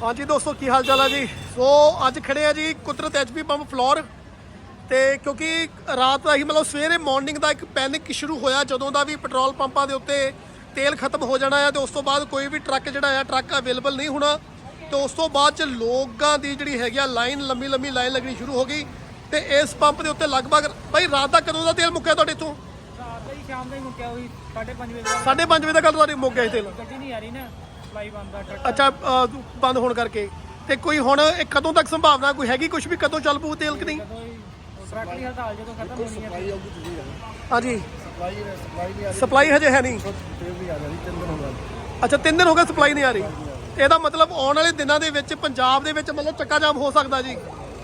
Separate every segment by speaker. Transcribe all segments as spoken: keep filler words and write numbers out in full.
Speaker 1: हाँ जी दोस्तों की हाल चाल है जी। सो अज खड़े हैं जी कुदरत एच पी पंप फ्लोर ਤੇ ਕਿਉਂਕਿ ਰਾਤ ਦਾ ਹੀ ਮਤਲਬ ਸਵੇਰੇ ਮਾਰਨਿੰਗ ਦਾ ਇੱਕ ਪੈਨਿਕ ਸ਼ੁਰੂ ਹੋਇਆ ਜਦੋਂ ਦਾ ਵੀ ਪੈਟਰੋਲ ਪੰਪਾਂ ਦੇ ਉੱਤੇ ਤੇਲ ਖਤਮ ਹੋ ਜਾਣਾ ਹੈ ਤੇ ਉਸ ਤੋਂ ਬਾਅਦ ਕੋਈ ਵੀ ਟਰੱਕ ਜਿਹੜਾ ਆ ਟਰੱਕ ਅਵੇਲੇਬਲ ਨਹੀਂ ਹੋਣਾ ਤੇ ਉਸ ਤੋਂ ਬਾਅਦ ਚ ਲੋਕਾਂ ਦੀ ਜਿਹੜੀ ਹੈਗੀ ਆ ਲਾਈਨ ਲੰਮੀ ਲੰਮੀ ਲਾਈਨ ਲੱਗਣੀ ਸ਼ੁਰੂ ਹੋ ਗਈ ਤੇ ਇਸ ਪੰਪ ਦੇ ਉੱਤੇ ਲਗਭਗ ਭਾਈ ਰਾਤ ਦਾ ਕਦੋਂ ਦਾ ਤੇਲ ਮੁੱਕਿਆ ਤੁਹਾਡੇ ਤੋਂ?
Speaker 2: ਰਾਤ ਦਾ ਹੀ ਸ਼ਾਮ ਦਾ ਹੀ ਮੁੱਕਿਆ ਹੋਈ ਸਾਢੇ ਪੰਜ ਵਜੇ ਦਾ।
Speaker 1: ਸਾਢੇ ਪੰਜ ਵਜੇ ਦਾ ਕੱਲ ਤੁਹਾਡੇ ਮੁੱਕ ਗਿਆ ਸੀ ਤੇਲ?
Speaker 2: ਗੱਡੀ ਨਹੀਂ ਆ ਰਹੀ ਨਾ, ਸਪਲਾਈ ਬੰਦ ਦਾ ਟਰੱਕ।
Speaker 1: ਅੱਛਾ ਅ, ਬੰਦ ਹੋਣ ਕਰਕੇ ਤੇ ਕੋਈ ਹੁਣ ਇਹ ਕਦੋਂ ਤੱਕ ਸੰਭਾਵਨਾ ਕੋਈ ਹੈਗੀ ਕੁਝ ਵੀ ਕਦੋਂ ਚੱਲ ਪਊ ਤੇਲ ਕਿ ਨਹੀਂ?
Speaker 2: ਜਦੋਂ ਹੀ ਟਰੱਕ ਦੀ ਹੜਤਾਲ ਜਦੋਂ ਖਤਮ ਹੋਣੀ ਹੈ
Speaker 1: ਹਾਂਜੀ ਸਪਲਾਈ ਹਜੇ ਹੈ ਨਹੀਂ। ਅੱਛਾ ਤਿੰਨ ਦਿਨ ਹੋ ਗਏ ਸਪਲਾਈ ਨਹੀਂ ਆ ਰਹੀ। ਇਹਦਾ ਮਤਲਬ ਆਉਣ ਵਾਲੇ ਦਿਨਾਂ ਦੇ ਵਿੱਚ ਪੰਜਾਬ ਦੇ ਵਿੱਚ ਮਤਲਬ ਚੱਕਾ ਜਾਮ ਹੋ ਸਕਦਾ ਜੀ।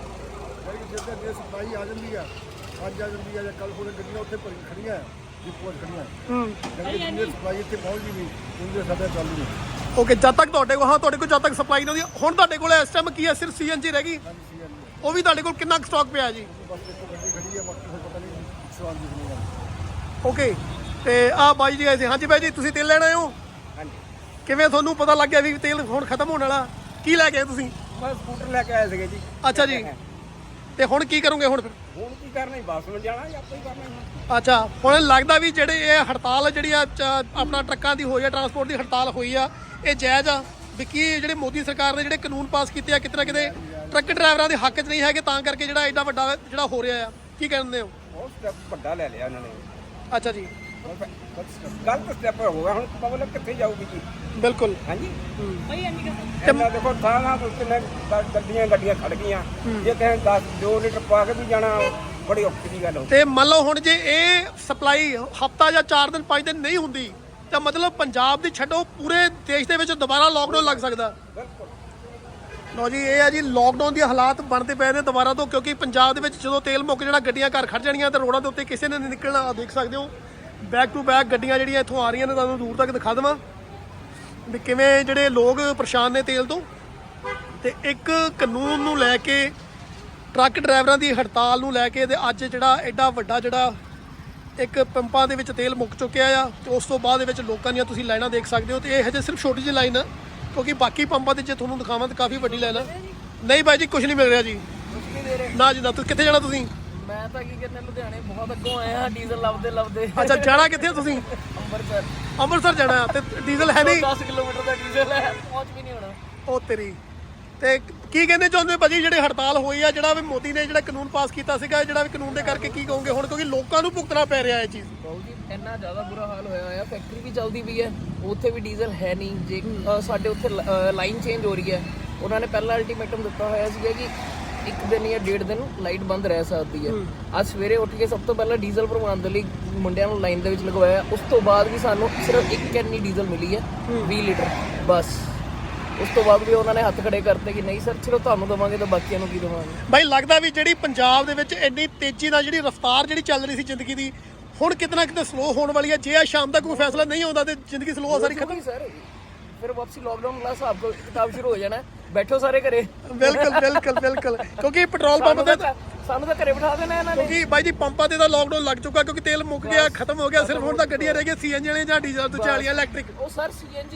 Speaker 3: ਸਪਲਾਈ ਆ ਜਾਂਦੀ ਆ ਅੱਜ ਆ ਜਾਂਦੀ ਆ ਜਾਂ ਕੱਲ ਕੋਲੇ ਗੱਡੀਆਂ ਉੱਥੇ ਭਰੀ ਖੜੀਆਂ ਡਿਪੋ ਖੜੀਆਂ
Speaker 1: ਹੂੰ
Speaker 3: ਜਦੋਂ ਸਪਲਾਈ ਇੱਥੇ ਪਹੁੰਚ ਗਈ ਉਹਦੇ ਸਾਡਾ ਚੱਲ ਨਹੀਂ।
Speaker 1: ਓਕੇ ਜਦ ਤੱਕ ਤੁਹਾਡੇ ਕੋਲ ਹਾਂ ਤੁਹਾਡੇ ਕੋਲ ਜਦ ਤੱਕ ਸਪਲਾਈ ਨਹੀਂ ਹੁੰਦੀ ਹੁਣ ਤੁਹਾਡੇ ਕੋਲ ਇਸ ਟਾਈਮ ਕੀ ਹੈ ਸਿਰਫ ਸੀਐਨਜੀ ਰਹਿ ਗਈ ਉਹ ਵੀ ਤੁਹਾਡੇ ਕੋਲ ਕਿੰਨਾ ਸਟਾਕ ਪਿਆ ਜੀ?
Speaker 3: ਬਸ ਇੱਕ ਗੱਡੀ ਖੜੀ ਆ ਬਾਕੀ ਪਤਾ ਨਹੀਂ ਸਵਾਲ ਦੀ ਨਹੀਂ।
Speaker 1: ਓਕੇ ਤੇ ਆ ਬਾਈ ਜੀ ਆਏ ਸੀ। ਹਾਂਜੀ ਬਾਈ ਜੀ ਤੁਸੀਂ ਤੇਲ ਲੈਣ ਆਏ ਹੋ?
Speaker 3: ਹਾਂਜੀ
Speaker 1: ਕਿਵੇਂ ਤੁਹਾਨੂੰ ਪਤਾ ਲੱਗ ਗਿਆ ਵੀ ਤੇਲ ਹੁਣ ਖਤਮ ਹੋਣ ਵਾਲਾ? ਕੀ ਲੈ ਕੇ ਆਏ ਤੁਸੀਂ?
Speaker 3: ਮੈਂ ਸਕੂਟਰ ਲੈ ਕੇ ਆਏ ਸੀਗੇ ਜੀ।
Speaker 1: ਅੱਛਾ ਜੀ ਤੇ ਹੁਣ ਕੀ ਕਰੋਗੇ ਹੁਣ ਫਿਰ?
Speaker 3: ਹੁਣ ਕੀ ਕਰਨਾ ਹੀ ਬੱਸ ਵਿੱਚ ਜਾਣਾ ਜਾਂ ਆਪਾਂ ਹੀ ਕਰਨਾ ਹੈ।
Speaker 1: ਅੱਛਾ ਹੁਣ ਲੱਗਦਾ ਵੀ ਜਿਹੜੇ ਇਹ ਹੜਤਾਲ ਜਿਹੜੀ ਆ ਚ- ਆਪਣਾ ਟਰੱਕਾਂ ਦੀ ਹੋਈ ਆ ਟਰਾਂਸਪੋਰਟ ਦੀ ਹੜਤਾਲ ਹੋਈ ਆ ਇਹ ਜਾਇਜ਼ ਆ ਵੀ ਕੀ ਜਿਹੜੇ ਮੋਦੀ ਸਰਕਾਰ ਨੇ ਜਿਹੜੇ ਕਾਨੂੰਨ ਪਾਸ ਕੀਤੇ ਆ ਕਿਤੇ ਨਾ ਕਿਤੇ ਟਰੱਕ ਡਰਾਈਵਰਾਂ ਦੇ ਹੱਕ 'ਚ ਨਹੀਂ ਹੈਗੇ ਤਾਂ ਕਰਕੇ ਜਿਹੜਾ ਐਡਾ ਵੱਡਾ ਜਿਹੜਾ ਹੋ ਰਿਹਾ ਆ ਕੀ ਕਹਿੰਦੇ ਹੋ?
Speaker 3: ਉਹ ਸਟੈਪ ਵੱਡਾ ਲੈ ਲਿਆ ਇਹਨਾਂ ਨੇ।
Speaker 1: ਅੱਛਾ ਜੀ
Speaker 3: ਗਲਤ ਸਟੈਪ ਹੋ ਗਿਆ। ਹੁਣ ਪਬਲਿਕ ਕਿੱਥੇ ਜਾਊਗੀ ਜੀ?
Speaker 1: ਬਿਲਕੁਲ
Speaker 3: ਹਾਂਜੀ
Speaker 2: ਭਾਈ ਇੰਨੀ ਗੱਲ
Speaker 3: ਇਹਨਾਂ ਦੇਖੋ ਥਾਂ ਤੋਂ ਕਿੰਨੇ ਗੱਡੀਆਂ ਗੱਡੀਆਂ ਖੜ ਗਈਆਂ। ਜੇ ਕਿਸੇ ਦਸ ਦੋ ਲੀਟਰ ਪਾ ਕੇ ਵੀ ਜਾਣਾ ਬੜੀ ਔਖੀ ਦੀ ਗੱਲ ਹੋ।
Speaker 1: ਤੇ ਮੰਨ ਲਓ ਹੁਣ ਜੇ ਇਹ ਸਪਲਾਈ ਹਫਤਾ ਜਾਂ ਚਾਰ ਦਿਨ ਪੰਜ ਦਿਨ ਨਹੀਂ ਹੁੰਦੀ ਤਾਂ ਮਤਲਬ ਪੰਜਾਬ ਦੀ ਛੱਡੋ ਪੂਰੇ ਦੇਸ਼ ਦੇ ਵਿੱਚ ਦੁਬਾਰਾ ਲੋਕਡਾਊਨ ਲੱਗ ਸਕਦਾ।
Speaker 3: ਬਿਲਕੁਲ
Speaker 1: ਲੋ ਜੀ ਇਹ ਆ ਜੀ ਲੋਕਡਾਊਨ ਦੇ ਹਾਲਾਤ ਬਣਦੇ ਪਏ ਨੇ ਦੁਬਾਰਾ ਤੋਂ ਕਿਉਂਕਿ ਪੰਜਾਬ ਦੇ ਵਿੱਚ ਜਦੋਂ ਤੇਲ ਮੁੱਕ ਜਾਣਾ ਗੱਡੀਆਂ ਘਰ ਖੜ ਜਾਣੀਆਂ ਤੇ ਰੋਡਾਂ ਦੇ ਉੱਤੇ ਕਿਸੇ ਨੇ ਨਹੀਂ ਨਿਕਲਣਾ। ਆਹ ਦੇਖ ਸਕਦੇ ਹੋ ਬੈਕ ਟੂ ਬੈਕ ਗੱਡੀਆਂ ਜਿਹੜੀਆਂ ਇੱਥੋਂ ਆ ਰਹੀਆਂ ਨੇ ਤੁਹਾਨੂੰ ਦੂਰ ਤੱਕ ਦਿਖਾ ਦੇਵਾਂ ਵੀ ਕਿਵੇਂ ਜਿਹੜੇ ਲੋਕ ਪਰੇਸ਼ਾਨ ਨੇ ਤੇਲ ਤੋਂ। ਤੇ ਇੱਕ ਕਾਨੂੰਨ ਨੂੰ ਲੈ ਕੇ ਟਰੱਕ ਡਰਾਈਵਰਾਂ ਦੀ ਹੜਤਾਲ ਨੂੰ ਲੈ ਕੇ ਤੇ ਅੱਜ ਜਿਹੜਾ ਐਡਾ ਵੱਡਾ ਜਿਹੜਾ ਇੱਕ ਪੰਪਾਂ ਦੇ ਵਿੱਚ ਤੇਲ ਮੁੱਕ ਚੁੱਕਿਆ ਆ ਤੇ ਉਸ ਤੋਂ ਬਾਅਦ ਦੇ ਵਿੱਚ ਲੋਕਾਂ ਦੀਆਂ ਤੁਸੀਂ ਲਾਈਨਾਂ ਦੇਖ ਸਕਦੇ ਹੋ ਤੇ ਇਹ ਹਜੇ ਸਿਰਫ ਛੋਟੀ ਜਿਹੀ ਲਾਈਨ ਆ ਕਿਉਂਕਿ ਬਾਕੀ ਪੰਪਾਂ ਤੇ ਜੇ ਤੁਹਾਨੂੰ ਦਿਖਾਵਾਂ ਤਾਂ ਕਾਫੀ ਵੱਡੀ ਲਾਈਨ ਆ। ਨਹੀਂ ਬਾਈ ਜੀ ਕੁਝ ਨਹੀਂ ਮਿਲ ਰਿਹਾ ਜੀ ਨਾ ਜੀ ਨਾ। ਤੁਸੀਂ ਕਿੱਥੇ ਜਾਣਾ ਤੁਸੀਂ?
Speaker 2: ਮੈਂ ਤਾਂ ਕੀ ਕਰਨਾ ਲੁਧਿਆਣੇ ਬਹੁਤ ਅੱਗੋਂ ਆਏ ਆ ਡੀਜ਼ਲ ਲੱਭਦੇ ਲੱਭਦੇ।
Speaker 1: ਅੱਛਾ ਜਾਣਾ ਕਿੱਥੇ ਆ ਤੁਸੀਂ?
Speaker 2: ਅੰਮ੍ਰਿਤਸਰ
Speaker 1: ਅੰਮ੍ਰਿਤਸਰ ਜਾਣਾ ਤੇ ਡੀਜ਼ਲ ਹੈ ਨਹੀਂ?
Speaker 2: ਦਸ ਕਿਲੋਮੀਟਰ ਦਾ ਡੀਜ਼ਲ ਹੈ ਪਹੁੰਚ ਵੀ ਨਹੀਂ ਹੋਣਾ।
Speaker 1: ਉਹ ਤੇਰੀ ਤੇ ਕੀ ਕਹਿੰਦੇ ਚਾਹੁੰਦੇ ਭਾਜੀ ਜਿਹੜੇ ਹੜਤਾਲ ਹੋਈ ਆ ਜਿਹੜਾ ਵੀ ਮੋਦੀ ਨੇ ਜਿਹੜਾ ਕਾਨੂੰਨ ਪਾਸ ਕੀਤਾ ਸੀਗਾ ਜਿਹੜਾ ਵੀ ਕਾਨੂੰਨ ਦੇ ਕਰਕੇ ਕੀ ਕਹੋਗੇ ਹੁਣ ਕਿਉਂਕਿ ਲੋਕਾਂ ਨੂੰ ਭੁਗਤਣਾ ਪੈ ਰਿਹਾ ਇਹ ਚੀਜ਼?
Speaker 4: ਬਹੁਤ ਜੀ ਇੰਨਾ ਜ਼ਿਆਦਾ ਬੁਰਾ ਹਾਲ ਹੋਇਆ ਹੋਇਆ। ਫੈਕਟਰੀ ਵੀ ਚੱਲਦੀ ਪਈ ਹੈ ਉੱਥੇ ਵੀ ਡੀਜ਼ਲ ਹੈ ਨਹੀਂ। ਜੇ ਅ, ਸਾਡੇ ਉੱਥੇ ਲਾਈਨ ਚੇਂਜ ਹੋ ਰਹੀ ਹੈ। ਉਹਨਾਂ ਨੇ ਪਹਿਲਾਂ ਅਲਟੀਮੇਟਮ ਦਿੱਤਾ ਹੋਇਆ ਸੀਗਾ ਕਿ ਇੱਕ ਦਿਨ ਜਾਂ ਡੇਢ ਦਿਨ ਲਾਈਟ ਬੰਦ ਰਹਿ ਸਕਦੀ ਹੈ। ਅੱਜ ਸਵੇਰੇ ਉੱਠ ਕੇ ਸਭ ਤੋਂ ਪਹਿਲਾਂ ਡੀਜ਼ਲ ਭਰਵਾਉਣ ਦੇ ਲਈ ਮੁੰਡਿਆਂ ਨੂੰ ਲਾਈਨ ਦੇ ਵਿੱਚ ਲਗਵਾਇਆ। ਉਸ ਤੋਂ ਬਾਅਦ ਵੀ ਸਾਨੂੰ ਸਿਰਫ ਇੱਕ ਕੈਨੀ ਡੀਜ਼ਲ ਮਿਲੀ ਹੈ ਵੀਹ ਲੀਟਰ ਬਸ। ਉਸ ਤੋਂ ਬਾਅਦ ਵੀ ਉਹਨਾਂ ਨੇ ਹੱਥ ਖੜੇ ਕਰਤੇ ਕਿ ਨਹੀਂ ਸਰ ਚਲੋ ਤੁਹਾਨੂੰ ਦੇਵਾਂਗੇ ਤਾਂ ਬਾਕੀਆਂ ਨੂੰ ਕੀ ਦੇਵਾਂਗੇ।
Speaker 1: ਬਾਈ ਲੱਗਦਾ ਵੀ ਜਿਹੜੀ ਪੰਜਾਬ ਦੇ ਵਿੱਚ ਇੰਨੀ ਤੇਜ਼ੀ ਨਾਲ ਜਿਹੜੀ ਰਫ਼ਤਾਰ ਜਿਹੜੀ ਚੱਲ ਰਹੀ ਸੀ ਜ਼ਿੰਦਗੀ ਦੀ ਹੁਣ ਕਿਤੇ ਨਾ ਕਿਤੇ ਸਲੋ ਹੋਣ ਵਾਲੀ ਹੈ। ਜੇ ਆ ਸ਼ਾਮ ਤੱਕ ਕੋਈ ਫੈਸਲਾ ਨਹੀਂ ਆਉਂਦਾ ਤੇ ਜ਼ਿੰਦਗੀ ਸਲੋ ਸਾਰੀ ਖਤਮ।
Speaker 4: ਸਰ ਫਿਰ ਵਾਪਸੀ ਲਾਕਡਾਊਨ ਵਾਲਾ ਹਿਸਾਬ ਕਿਤਾਬ ਸ਼ੁਰੂ ਹੋ ਜਾਣਾ। ਬੈਠੋ ਸਾਰੇ ਘਰੇ।
Speaker 1: ਬਿਲਕੁਲ ਬਿਲਕੁਲ ਬਿਲਕੁਲ ਕਿਉਂਕਿ ਪੈਟਰੋਲ ਪੰਪ ਤੇ
Speaker 4: ਸਾਨੂੰ ਤਾਂ ਘਰੇ ਬਿਠਾ ਦੇਣਾ ਇਹਨਾਂ ਨੇ।
Speaker 1: ਕਿਉਂਕਿ ਬਾਈ ਜੀ ਪੰਪਾਂ ਤੇ ਤਾਂ ਲੋਕਡਾਊਨ ਲੱਗ ਚੁੱਕਾ ਕਿਉਂਕਿ ਤੇਲ ਮੁੱਕ ਗਿਆ ਖਤਮ ਹੋ ਗਿਆ। ਸਿਰਫ ਹੁਣ ਤਾਂ ਗੱਡੀਆਂ ਰਹਿ ਗਈਆਂ ਸੀਐਨਜੀ ਵਾਲੀਆਂ ਜਾਂ ਡੀਜ਼ਲ ਤੋਂ ਚਾਲੀਆਂ ਇਲੈਕਟ੍ਰਿਕ।
Speaker 4: ਉਹ ਸਰ ਸੀਐਨਜੀ